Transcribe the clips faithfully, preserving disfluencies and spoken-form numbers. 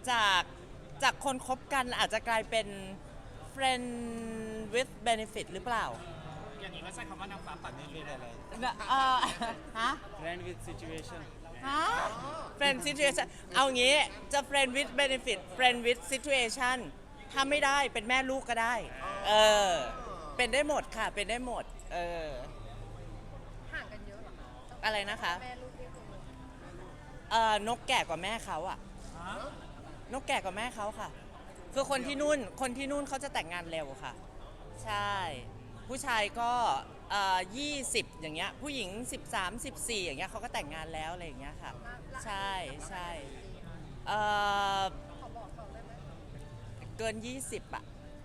จากจากคนคบกันอาจจะกลายเป็น friend with benefit หรือเปล่าอย่างนี้ก็ใช้คำว่านางฟ้าปัดนี้เลยอะไรเอ่อฮะ friend with situation ฮะ friend situation เอางี้จะ friend with benefit friend with situation ถ้าไม่ได้เป็นแม่ลูกก็ได้ เออ เป็นได้หมดค่ะ เป็นได้หมด เออห่างกันเยอะเหรอคะอะไรนะคะแม่ลูกนี่คือเออนกแก่กว่าแม่เขาอะนกแก่กว่าแม่เขาค่ะ คือคนที่นู่น คนที่นู่นเขาจะแต่งงานเร็วค่ะ ใช่ ผู้ชายก็เอ่อยี่สิบอย่างเงี้ย ผู้หญิงสิบสามสิบสี่อย่างเงี้ยเขาก็แต่งงานแล้วอะไรอย่างเงี้ยค่ะ ใช่ใช่เอ่อขอบอกเขาได้ไหมเกินยี่สิบอะ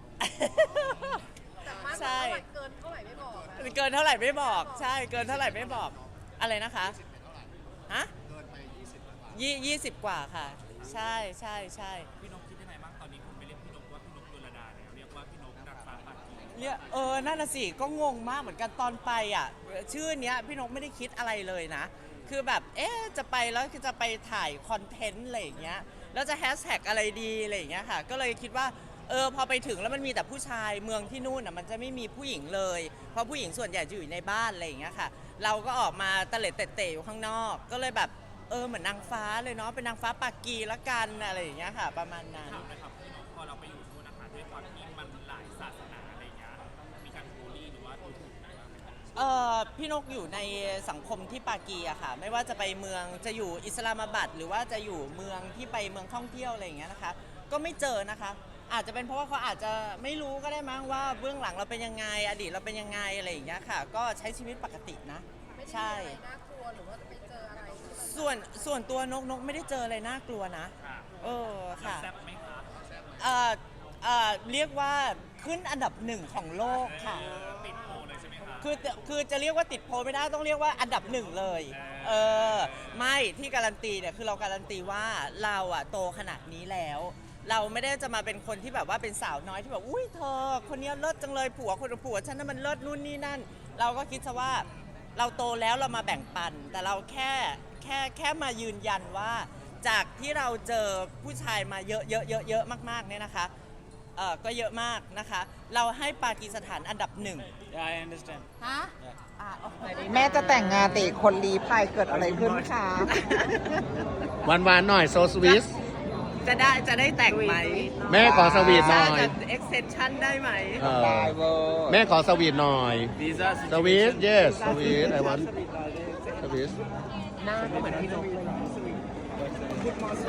แต่มากใช่เกินเท่าไหร่ไม่บอกนะเกินเท่าไหร่ไม่บอก ใช่ เกินเท่าไหร่ไม่บอก อะไรนะคะ ฮะยี่ยี่สิบกว่าค่ะ ใช่ใช่ใช่พี่นกคิดยังไงบ้างตอนนี้คุณไม่เรียกพี่นกว่าพี่นกดุลดาแล้วเรียกว่าพี่นกนางฟ้าปัดนี้เรียกเออ นั่นน่ะสิ ก็งงมากเหมือนกันตอนไปอ่ะ ชื่อเนี้ยพี่นกไม่ได้คิดอะไรเลยนะ คือแบบ เอ๊ะ จะไปแล้วจะไปถ่ายคอนเทนต์อะไรอย่างเงี้ย แล้วจะแฮชแท็กอะไรดีอะไรอย่างเงี้ยค่ะ ก็เลยคิดว่า เออ พอไปถึงแล้วมันมีแต่ผู้ชาย เมืองที่นู่นอ่ะมันจะไม่มีผู้หญิงเลย เพราะผู้หญิงส่วนใหญ่จะอยู่ในบ้านอะไรอย่างเงี้ยค่ะ เราก็ออกมาตะเล็ดเตะๆอยู่ข้างนอก ก็เลยแบบ เออ เหมือนนางฟ้าเลยเนาะ เป็นนางฟ้าปากกีละกันอะไรอย่างเงี้ยค่ะ ประมาณนั้นถามนะครับพี่นกพอเราไปอยู่นู่นนะคะด้วยความที่มันหลายศาสนาอะไรอย่างเงี้ยมีการบูลลี่หรือว่าดูถูกไหมบ้างไหมครับเออพี่นกอยู่ในสังคมที่ปากีอะค่ะ ไม่ว่าจะไปเมืองจะอยู่อิสลามาบัดหรือว่าจะอยู่เมืองที่ไปเมืองท่องเที่ยวอะไรอย่างเงี้ยนะคะ ก็ไม่เจอนะคะ อาจจะเป็นเพราะว่าเขาอาจจะไม่รู้ก็ได้มั้งว่าเบื้องหลังเราเป็นยังไงอดีตเราเป็นยังไงอะไรอย่างเงี้ยค่ะ ก็ใช้ชีวิตปกตินะไม่ได้ใช่มีอะไรน่ากลัวหรือว่าจะไปเจออะไรที่มันส่วนส่วนตัวนกนกไม่ได้เจออะไรน่ากลัวนะค่ะเออค่ะแซ่บไหมคะเอ่อเอ่อเรียกว่าขึ้นอันดับหนึ่งของโลกค่ะเออติดโพลเลยใช่ไหมคะคือคือจะเรียกว่าติดโพลไม่ได้ต้องเรียกว่าอันดับหนึ่งเลย เออ ไม่ที่การันตีเนี่ยคือเราการันตีว่าเราอะโตขนาดนี้แล้ว เราไม่ได้จะมาเป็นคนที่แบบว่าเป็นสาวน้อยที่แบบอุ้ยเธอ คนนี้เลิศจังเลยผัวคนผัวฉันนั้นมันเลิศนู่นนี่นั่น เราก็คิดซะว่าเราโตแล้วเรามาแบ่งปัน แต่เราแค่แค่แค่มายืนยันว่า จากที่เราเจอผู้ชายมาเยอะเยอะเยอะเยอะมากๆเนี่ยนะคะเออก็เยอะมากนะคะ เราให้ปากีสถานอันดับหนึ่ง yeah I understand ฮะ yeah อ่าโอเคแม่จะแต่งงานแต่อีกคนรีพายเกิดอะไรขึ้นคะหวานหวานๆหน่อยโซสวิสจะได้จะได้แต่งไหมแม่ขอสวีทหน่อยจะ extension ได้ไหมเออได้เวอร์แม่ขอสวีทหน่อย visa สวีท situation yes สวีท I want สวีทหน้าก็เหมือนพี่นกเลย